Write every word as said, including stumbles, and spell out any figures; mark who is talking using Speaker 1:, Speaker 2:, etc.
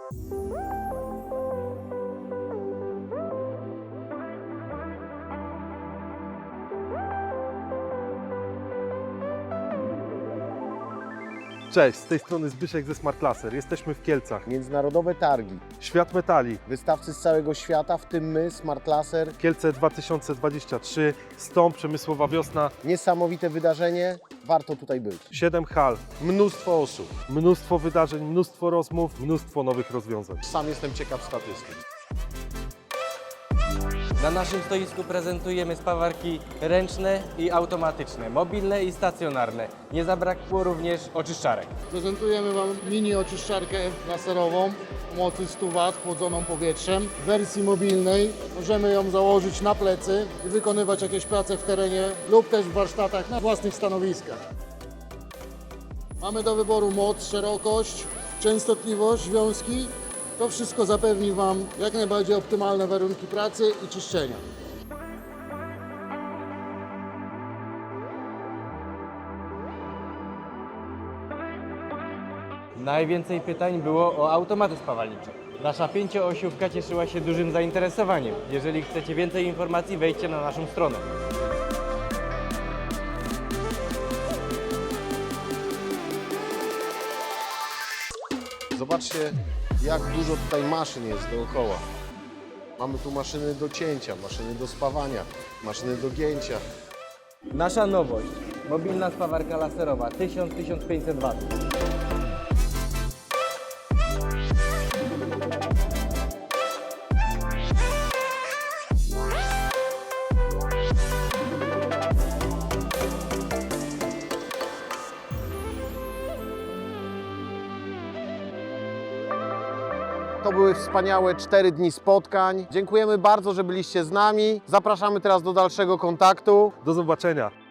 Speaker 1: Cześć, z tej strony Zbyszek ze Smart Laser. Jesteśmy w Kielcach.
Speaker 2: Międzynarodowe targi,
Speaker 1: Świat metali.
Speaker 2: wystawcy z całego świata, w tym my, Smart Laser.
Speaker 1: Kielce dwa tysiące dwadzieścia trzy, Stąd przemysłowa wiosna,
Speaker 2: Niesamowite wydarzenie, warto tutaj być.
Speaker 1: siedem hal,
Speaker 2: Mnóstwo osób.
Speaker 1: mnóstwo wydarzeń, mnóstwo rozmów, mnóstwo nowych rozwiązań.
Speaker 2: Sam jestem ciekaw statystyk.
Speaker 3: Na naszym stoisku prezentujemy spawarki ręczne i automatyczne, mobilne i stacjonarne. Nie zabrakło również oczyszczarek.
Speaker 4: Prezentujemy Wam mini oczyszczarkę laserową o mocy stu watów chłodzoną powietrzem. W wersji mobilnej możemy ją założyć na plecy i wykonywać jakieś prace w terenie lub też w warsztatach na własnych stanowiskach. Mamy do wyboru moc, szerokość, częstotliwość, związki. To wszystko zapewni Wam jak najbardziej optymalne warunki pracy i czyszczenia.
Speaker 3: Najwięcej pytań było o automaty spawalnicze. Nasza pięcioosiówka cieszyła się dużym zainteresowaniem. Jeżeli chcecie więcej informacji, wejdźcie na naszą stronę.
Speaker 2: Zobaczcie, jak dużo tutaj maszyn jest dookoła. Mamy tu maszyny do cięcia, maszyny do spawania, maszyny do gięcia.
Speaker 3: Nasza nowość, mobilna spawarka laserowa tysiąc do tysiąca pięciuset watów.
Speaker 2: To były wspaniałe cztery dni spotkań. Dziękujemy bardzo, że byliście z nami. Zapraszamy teraz do dalszego kontaktu.
Speaker 1: Do zobaczenia.